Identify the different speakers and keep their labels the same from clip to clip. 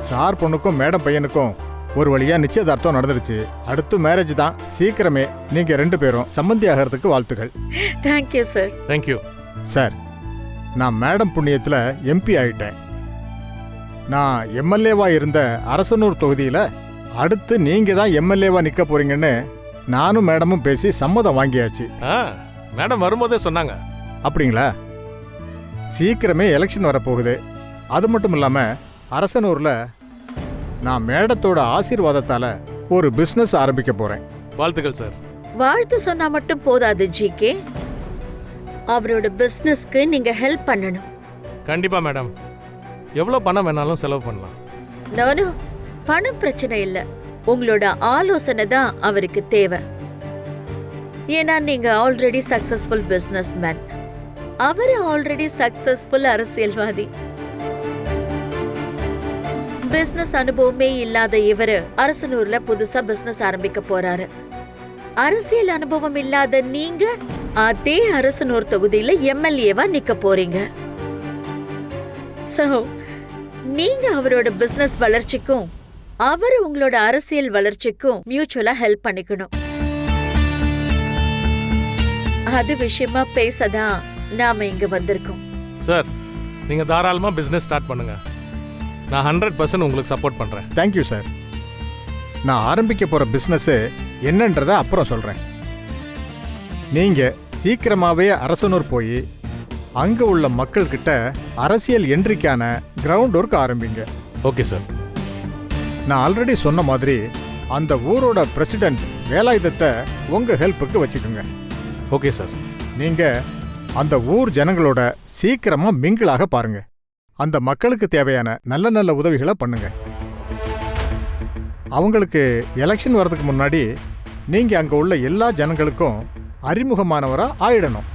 Speaker 1: Sir பொண்ணுக்கும் madam பையனுக்கும் ஒரு வழியா நிச்சயதார்த்தம் நடந்துருச்சு. அடுத்து மேரேஜ் தான். சீக்கிரமே நீங்க 2 பேரும் சம்பந்தி ஆகிறதுக்கு வாழ்த்துக்கள்.
Speaker 2: Thank you sir.
Speaker 3: தேங்க்யூ
Speaker 1: சார், நான் மேடம் புண்ணியத்தில் எம்பி ஆயிட்டேன். நான் எம்எல்ஏவா இருந்த அரசனூர் தொகுதியில் அடுத்து நீங்க தான் எம்எல்ஏவா நிற்க போறீங்கன்னு நானும் மேடமும் பேசி சம்மதம் வாங்கியாச்சு.
Speaker 3: மேடம் வரும்போதே சொன்னாங்க.
Speaker 1: அப்படிங்களா? சீக்கிரமே எலெக்ஷன் வரப்போகுது. அது மட்டும் இல்லாமல் அரசனூரில் நான் மேடத்தோட ஆசீர்வாதத்தால் ஒரு பிஸ்னஸ் ஆரம்பிக்க போகிறேன்.
Speaker 3: வாழ்த்துக்கள் சார்.
Speaker 2: வாழ்த்து சொன்னா மட்டும் போதாது ஜிகே, அவரோட பிசினஸ்க்கு நீங்க ஹெல்ப் பண்ணணும்.
Speaker 3: கண்டிப்பா மேடம். எவ்வளோ பணம் வேணாலும் செலவு பண்ணலாம்.
Speaker 2: நானு பணம் பிரச்சனை இல்ல, உங்களோட ஆலோசனை தான் அவருக்கு தேவை. ஏன்னா நீங்க ஆல்ரெடி சக்சஸ்ஃபுல் பிசினஸ் மேன், அவர் ஆல்ரெடி சக்சஸ்ஃபுல் அரசியல்வாதி. பிசினஸ் அனுபவமே இல்லாத இவரு அரசனூர்ல புதுசா பிசினஸ் ஆரம்பிக்க போறாரு. அரசியல் அனுபவம் இல்லாத நீங்க அதே அரசனூர் தொகுதியில எம்எல்ஏவா நிக்க போறீங்க. சோ நீங்க அவரோட பிசினஸ் வளர்ச்சிக்கும் அவர் உங்களோட அரசியல் வளர்ச்சிக்கும் மியூச்சுவலா ஹெல்ப் பண்ணிக்கணும். அது விஷயமா பேசதான் நாம இங்க வந்திருக்கோம்.
Speaker 3: சார், நீங்க தாராளமா பிசினஸ் ஸ்டார்ட் பண்ணுங்க. நான் 100% உங்களுக்கு சப்போர்ட் பண்றேன்.
Speaker 1: Thank you sir. நான் ஆரம்பிக்க போகிற பிஸ்னஸ்ஸு என்னன்றதை அப்புறம் சொல்கிறேன். நீங்கள் சீக்கிரமாகவே அரசனூர் போய் அங்கே உள்ள மக்கள்கிட்ட அரசியல் என்ட்ரிக்கான கிரவுண்ட் ஒர்க் ஆரம்பிங்க.
Speaker 3: Okay sir.
Speaker 1: நான் ஆல்ரெடி சொன்ன மாதிரி அந்த ஊரோட பிரசிடென்ட் வேலாயுதத்தை உங்கள் ஹெல்ப்புக்கு வச்சுக்கோங்க.
Speaker 3: Okay sir.
Speaker 1: நீங்கள் அந்த ஊர் ஜனங்களோட சீக்கிரமாக மிங்கிளாக பாருங்க. அந்த மக்களுக்கு தேவையான நல்ல நல்ல உதவிகளை பண்ணுங்க. அவங்களுக்கு எலெக்ஷன் வர்றதுக்கு முன்னாடி நீங்கள் அங்கே உள்ள எல்லா ஜனங்களுக்கும் அறிமுகமானவராக ஆயிடணும்.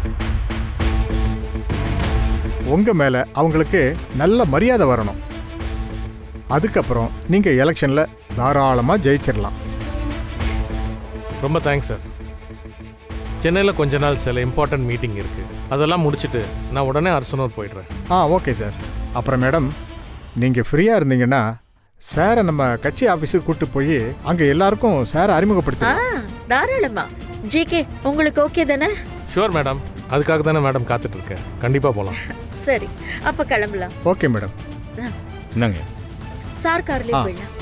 Speaker 1: உங்கள் மேலே அவங்களுக்கு நல்ல மரியாதை வரணும். அதுக்கப்புறம் நீங்கள் எலெக்ஷனில் தாராளமாக ஜெயிச்சிடலாம்.
Speaker 3: ரொம்ப தேங்க்ஸ் சார். சென்னையில் கொஞ்ச நாள் சில இம்பார்ட்டன்ட் மீட்டிங் இருக்கு, அதெல்லாம் முடிச்சுட்டு நான் உடனே அரசனூர் போயிடுறேன்.
Speaker 1: Okay sir. அப்புறம் மேடம், நீங்கள் ஃப்ரீயாக இருந்தீங்கன்னா சாரை நம்ம கட்சி ஆஃபீஸுக்கு கூப்பிட்டு போய் அங்கே எல்லாருக்கும் சாரை அறிமுகப்படுத்த.
Speaker 2: தாராளமா. ஜிகே, உங்களுக்கு ஓகே தானே?
Speaker 3: Sure madam. அதுக்காக தானே மேடம் காத்துட்டு இருக்கேன். கண்டிப்பாக போகலாம்.
Speaker 2: சரி, அப்ப கிளம்பலாம்.
Speaker 1: Okay madam.
Speaker 4: என்னங்க
Speaker 2: சார் கார்லயே போயிடலாம்.